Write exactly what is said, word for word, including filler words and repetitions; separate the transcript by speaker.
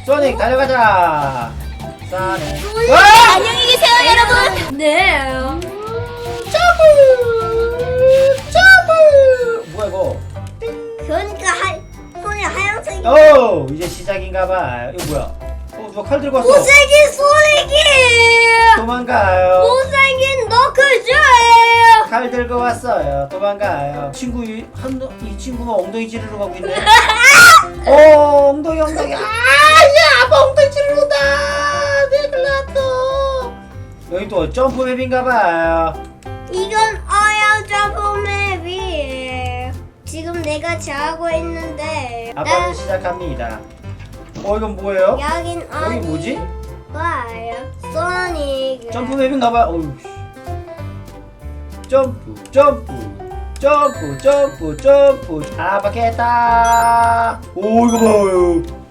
Speaker 1: 소닉 달려가자. 소닉. 와!
Speaker 2: 안녕히 계세요, 여러분. 네.
Speaker 1: 점프! 점프! 뭐야 이거?
Speaker 2: 그러니까 하, 손이 하얀색.
Speaker 1: 오! 이제 시작인가봐. 이거 뭐야? 어 누가 칼 들고 왔어?
Speaker 2: 못생긴 소닉이.
Speaker 1: 도망가요.
Speaker 2: 못생긴 너클즈.
Speaker 1: 칼 들고 왔어요. 도망가요. 친구 이, 한, 이 친구가 엉덩이 찌르러 가고 있네. 어 엉덩이 엉덩이. 아, 야 아빠 엉덩이 찌르러 온다. 내 글라또. 여기 또 점프 맵인가봐요.
Speaker 2: 이건 어야 점프맵이에요. 지금 내가 자고 있는데.
Speaker 1: 아빠는
Speaker 2: 나
Speaker 1: 시작합니다. 어 이건 뭐예요?
Speaker 2: 여긴
Speaker 1: 여기
Speaker 2: 어디?
Speaker 1: 뭐지?
Speaker 2: 와요. 소닉.
Speaker 1: 점프 맵인가봐요. 어휴. 점프 점프 점프 점프 점프 아 바뀌었다. 오 이거 봐요.